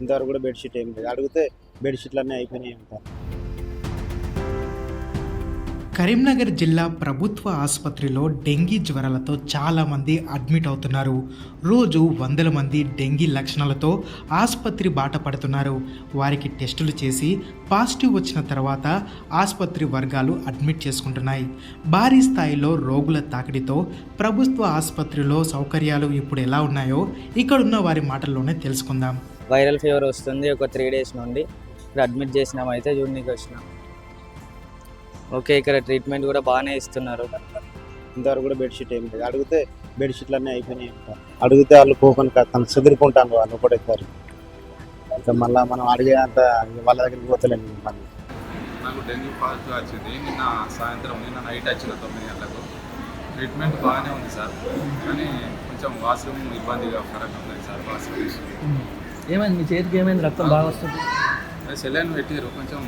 ఇంతవరకు కూడా బెడ్షీట్ ఏం లేదు. అడిగితే బెడ్షీట్లు అన్నీ అయిపోయినాయి అంటారు. కరీంనగర్ జిల్లా ప్రభుత్వ ఆసుపత్రిలో డెంగీ జ్వరాలతో చాలామంది అడ్మిట్ అవుతున్నారు. రోజు వందల మంది డెంగీ లక్షణాలతో ఆసుపత్రి బాట పడుతున్నారు. వారికి టెస్టులు చేసి పాజిటివ్ వచ్చిన తర్వాత ఆసుపత్రి వర్గాలు అడ్మిట్ చేసుకుంటున్నాయి. భారీ స్థాయిలో రోగుల తాకిడితో ప్రభుత్వ ఆసుపత్రిలో సౌకర్యాలు ఇప్పుడు ఎలా ఉన్నాయో ఇక్కడున్న వారి మాటల్లోనే తెలుసుకుందాం. వైరల్ ఫీవర్ వస్తుంది ఒక 3 days నుండి. ఇక్కడ అడ్మిట్ చేసినాం, అయితే చూడడానికి వచ్చినాం. ఓకే, ఇక్కడ ట్రీట్మెంట్ కూడా బాగానే ఇస్తున్నారు. ఇంతవరకు కూడా బెడ్షీట్ ఏం లేదు. అడిగితే బెడ్షీట్లు అన్నీ అయిపోయినాయి అంటారు. అడిగితే వాళ్ళు కూపన్ తను చెదిరిపోంటాను వాళ్ళు కూడా ఇస్తారు. ఇంకా మళ్ళీ మనం అడిగే అంత వాళ్ళ దగ్గరికి పోతలేము. మళ్ళీ నాకు డెంగ్యూ పాజిటివ్ వచ్చింది నిన్న నైట్ వచ్చిన 9 గంటలకు. ట్రీట్మెంట్ బాగానే ఉంది సార్, కానీ కొంచెం వాష్రూమ్ ఇబ్బందిగా ఫరక్ ఉంది సార్. వాష్రూమ్ ఏమైంది? మీ చేతికి ఏమైంది? రక్తం బాగా వస్తుంది. సెలైన్ పెట్టారు, కొంచెం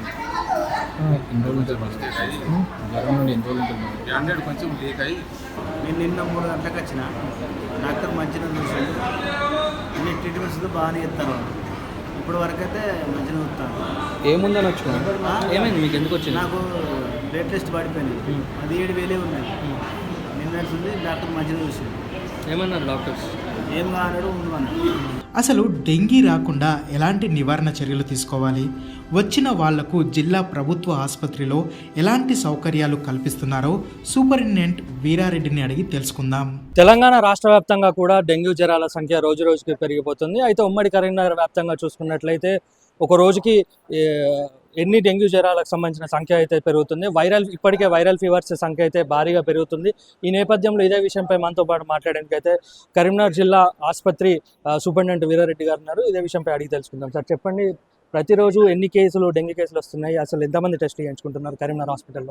బ్యాండెడ్ కొంచెం లీక్ అయ్యి. నేను నిన్న 3 గంటలకు వచ్చిన డాక్టర్ మంచిగా చూసాడు. అన్ని ట్రీట్మెంట్స్ బాగానే ఇస్తాను. ఇప్పటి వరకు అయితే మంచిగా చూస్తాను. ఏముందని వచ్చిన? ఏమైంది మీకు? ఎందుకు వచ్చింది? నాకు బ్లడ్ టెస్ట్ పడిపోయింది. అది 7,000 ఉన్నాయి. నిన్న ఉంది డాక్టర్ మంచిగా చూసాడు. ఏమన్నారు డాక్టర్స్? ఏం కానాడు ఉండమన్నాడు. అసలు డెంగీ రాకుండా ఎలాంటి నివారణ చర్యలు తీసుకోవాలి, వచ్చిన వాళ్లకు జిల్లా ప్రభుత్వ ఆసుపత్రిలో ఎలాంటి సౌకర్యాలు కల్పిస్తున్నారో సూపరింటెండెంట్ వీరారెడ్డిని అడిగి తెలుసుకుందాం. తెలంగాణ రాష్ట్ర వ్యాప్తంగా కూడా డెంగ్యూ జ్వరాల సంఖ్య రోజు రోజుకి పెరిగిపోతుంది. అయితే ఉమ్మడి కరీంనగర్ వ్యాప్తంగా చూసుకున్నట్లయితే ఒక రోజుకి ఎన్ని డెంగ్యూ జ్వరాలకు సంబంధించిన సంఖ్య అయితే పెరుగుతుంది. ఇప్పటికే వైరల్ ఫీవర్స్ సంఖ్య అయితే భారీగా పెరుగుతుంది. ఈ నేపథ్యంలో ఇదే విషయంపై మనతో పాటు మాట్లాడడానికి అయితే కరీంనగర్ జిల్లా ఆసుపత్రి సూపరింటెండెంట్ వీరారెడ్డి గారు ఉన్నారు. ఇదే విషయంపై అడిగి తెలుసుకుందాం. సార్ చెప్పండి, ప్రతిరోజు ఎన్ని డెంగ్యూ కేసులు వస్తున్నాయి? అసలు ఎంతమంది టెస్టులు చేయించుకుంటున్నారు కరీంనగర్ హాస్పిటల్లో?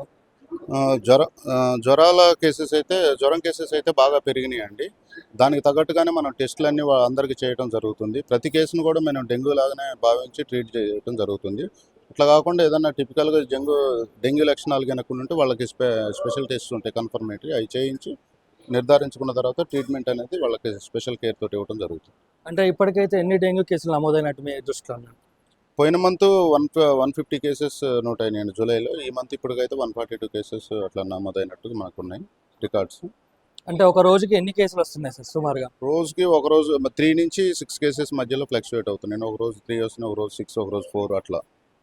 జ్వరం కేసెస్ అయితే బాగా పెరిగినాయి అండి. దానికి తగ్గట్టుగానే మనం టెస్టులన్నీ అందరికీ చేయడం జరుగుతుంది. ప్రతి కేసును కూడా మనం డెంగ్యూ లాగానే భావించి ట్రీట్ చేయడం జరుగుతుంది. ఇట్లా కాకుండా ఏదన్నా టిపికల్గా డెంగ్యూ లక్షణాలు కనుక ఉంటే వాళ్ళకి స్పెషల్ టెస్ట్ ఉంటాయి కన్ఫర్మేటరీ, అవి చేయించి నిర్ధారించుకున్న తర్వాత ట్రీట్మెంట్ అనేది వాళ్ళకి స్పెషల్ కేర్ తోటి ఇవ్వడం జరుగుతుంది. అంటే ఇప్పటికైతే ఎన్ని డెంగ్యూ కేసులు నమోదైనట్టు మీ దృష్టిలో ఉన్నాయి? పోయిన మంత్ 150 కేసెస్ నోట్ అయినాయి జూలైలో. ఈ మంత్ ఇప్పటికైతే 142 కేసెస్ అట్లా నమోదైనట్టు మాకున్నాయి రికార్డ్స్. అంటే ఒక రోజుకి ఎన్ని కేసులు వస్తున్నాయి సార్ సుమారుగా? రోజుకి ఒక రోజు 3 నుంచి 6 కేసెస్ మధ్యలో ఫ్లక్చువేట్ అవుతున్నాయి. ఒక రోజు 3 వస్తున్నాయి, ఒక రోజు 6, ఒక రోజు 4, అట్లా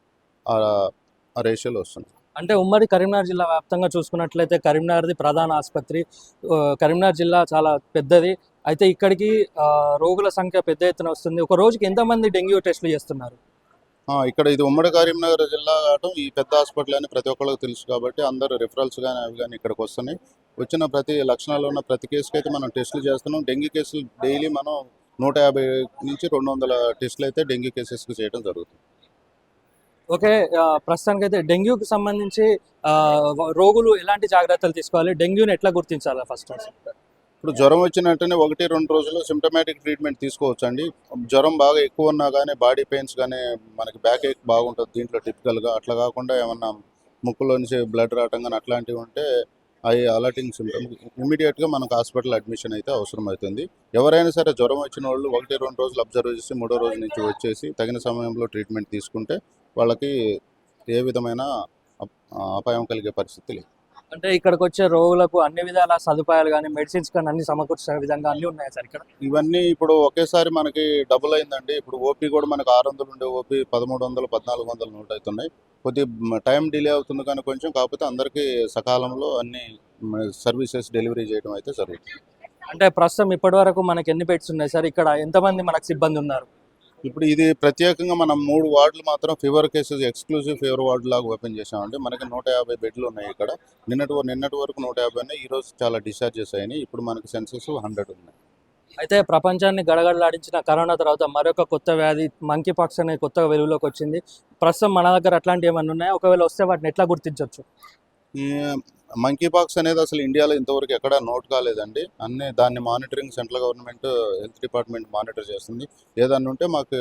ఆ రేషియోలో వస్తుంది. అంటే ఉమ్మడి కరీంనగర్ జిల్లా వ్యాప్తంగా చూసుకున్నట్లయితే కరీంనగర్ది ప్రధాన ఆసుపత్రి. కరీంనగర్ జిల్లా చాలా పెద్దది. అయితే ఇక్కడికి రోగుల సంఖ్య పెద్ద ఎత్తున వస్తుంది. ఒక రోజుకి ఎంతమంది డెంగ్యూ టెస్టులు చేస్తున్నారు? ఇక్కడ ఇది ఉమ్మడి కరీంనగర్ జిల్లా కావడం, ఈ పెద్ద హాస్పిటల్ అని ప్రతి ఒక్కరికి తెలుసు కాబట్టి అందరూ రిఫరల్స్ కానీ అవి కానీ ఇక్కడికి వస్తున్నాయి. వచ్చిన ప్రతి లక్షణాలు ఉన్న ప్రతి కేసుకి అయితే మనం టెస్టులు చేస్తున్నాం. డెంగ్యూ కేసులు డైలీ మనం 150 నుంచి 200 టెస్టులు అయితే డెంగ్యూ కేసెస్కి చేయడం జరుగుతుంది. ఓకే, ప్రస్తుతానికైతే డెంగ్యూకి సంబంధించి రోగులు ఎలాంటి జాగ్రత్తలు తీసుకోవాలి? డెంగ్యూని ఎట్లా గుర్తించాలి? ఫస్ట్ ఇప్పుడు జ్వరం వచ్చిన వెంటనే 1-2 రోజులు సిమ్టమాటిక్ ట్రీట్మెంట్ తీసుకోవచ్చు అండి. జ్వరం బాగా ఎక్కువ ఉన్నా కానీ బాడీ పెయిన్స్ కానీ మనకి బ్యాక్ ఏక్ బాగుంటుంది దీంట్లో టిపికల్గా. అట్లా కాకుండా ఏమన్నా ముక్కులో నుంచి బ్లడ్ రావటం కానీ అట్లాంటివి ఉంటే అవి అలర్టింగ్ సిమ్టమ్, ఇమీడియట్గా మనకు హాస్పిటల్ అడ్మిషన్ అయితే అవసరం అవుతుంది. ఎవరైనా సరే జ్వరం వచ్చిన వాళ్ళు 1-2 రోజులు అబ్జర్వ్ చేసి 3వ రోజు నుంచి వచ్చేసి తగిన సమయంలో ట్రీట్మెంట్ తీసుకుంటే వాళ్ళకి ఏ విధమైన అపాయం కలిగే పరిస్థితి లేదు. అంటే ఇక్కడికి వచ్చే రోగులకు అన్ని విధాల సదుపాయాలు కానీ మెడిసిన్స్ కానీ అన్ని సమకూర్చే విధంగా అన్నీ ఉన్నాయి సార్ ఇక్కడ? ఇవన్నీ ఇప్పుడు ఒకేసారి మనకి డబుల్ అయిందండి. ఇప్పుడు ఓపీ కూడా మనకు 600 ఉండే ఓపీ 1300, 1400 నోట్ అవుతున్నాయి. కొద్దిగా టైం డిలే అవుతుంది కానీ కొంచెం, కాకపోతే అందరికీ సకాలంలో అన్ని సర్వీసెస్ డెలివరీ చేయడం అయితే జరుగుతుంది. అంటే ప్రస్తుతం ఇప్పటి వరకు మనకి ఎన్ని బెడ్స్ ఉన్నాయి సార్? ఇక్కడ ఎంతమంది మనకు సిబ్బంది ఉన్నారు? ఇప్పుడు ఇది ప్రత్యేకంగా మనం 3 వార్డులు మాత్రం fever cases exclusive fever ward లాగా ఓపెన్ చేసామండి. మనకి 150 బెడ్లు ఉన్నాయి ఇక్కడ. నిన్నటి వరకు 150 ఉన్నాయి. ఈరోజు చాలా డిశ్చార్జెస్ అయినాయి. ఇప్పుడు మనకి సెన్సెస్ 100 ఉన్నాయి. అయితే ప్రపంచాన్ని గడగడలాడించిన కరోనా తర్వాత మరొక కొత్త వ్యాధి మంకీ పాక్స్ అనే కొత్తగా వెలుగులోకి వచ్చింది. ప్రస్తుతం మన దగ్గర అట్లాంటివి ఏమైనా ఉన్నాయా? ఒకవేళ వస్తే వాటిని ఎట్లా గుర్తించవచ్చు? ఈ మంకీ పాక్స్ అనేది అసలు ఇండియాలో ఇంతవరకు ఎక్కడా నోట్ కాలేదండి. దాన్ని monitoring central government health department monitor చేస్తుంది. ఏదన్నా ఉంటే మాకు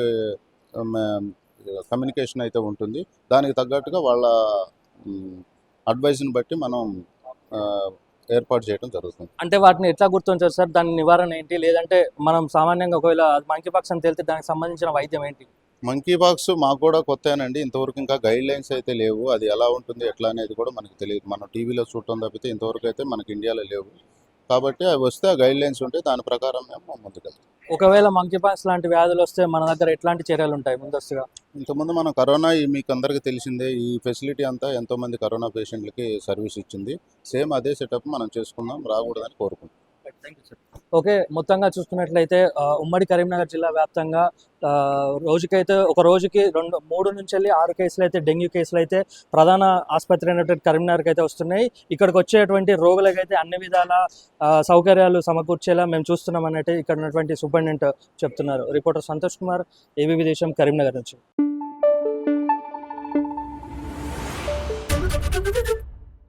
కమ్యూనికేషన్ అయితే ఉంటుంది. దానికి తగ్గట్టుగా వాళ్ళ అడ్వైజ్ని బట్టి మనం ఏర్పాటు చేయడం జరుగుతుంది. అంటే వాటిని ఎట్లా గుర్తించారు సార్? దాని నివారణ ఏంటి? లేదంటే మనం సామాన్యంగా ఒకవేళ మంకీ పాక్స్ అని తెలితే దానికి సంబంధించిన వైద్యం ఏంటి? మంకీ బాక్స్ మాకు కూడా కొత్తేనండి. ఇంతవరకు ఇంకా గైడ్ లైన్స్ అయితే లేవు. అది ఎలా ఉంటుంది ఎట్లా అనేది కూడా మనకు తెలియదు. మనం టీవీలో చూడటం తప్పితే ఇంతవరకు అయితే మనకి ఇండియాలో లేవు. కాబట్టి అవి వస్తే ఆ గైడ్ లైన్స్ ఉంటే దాని ప్రకారం మేము ముందుకెళ్తాం. ఒకవేళ మంకీ పాక్స్ లాంటి వ్యాధులు వస్తే మన దగ్గర ఎట్లాంటి చర్యలు ఉంటాయి ముందస్తుగా? ఇంతకుముందు మనం కరోనా మీకు అందరికీ తెలిసిందే, ఈ ఫెసిలిటీ అంతా ఎంతోమంది కరోనా పేషెంట్లకి సర్వీస్ ఇచ్చింది. సేమ్ అదే సెటప్ మనం చేసుకుందాం, రాకూడదని కోరుకుంటున్నాం. ఓకే, మొత్తంగా చూసుకున్నట్లయితే ఉమ్మడి కరీంనగర్ జిల్లా వ్యాప్తంగా ఒక రోజుకి 3 నుంచి వెళ్ళి 6 కేసులు అయితే డెంగ్యూ కేసులు అయితే ప్రధాన ఆసుపత్రి అయినటువంటి కరీంనగర్కి అయితే వస్తున్నాయి. ఇక్కడికి వచ్చేటువంటి రోగులకైతే అన్ని విధాల సౌకర్యాలు సమకూర్చేలా మేము చూస్తున్నాం అన్నట్టు ఇక్కడ ఉన్నటువంటి సూపరింటెండెంట్ చెప్తున్నారు. రిపోర్టర్ సంతోష్ కుమార్, ఏబీపీ దేశం, కరీంనగర్ నుంచి.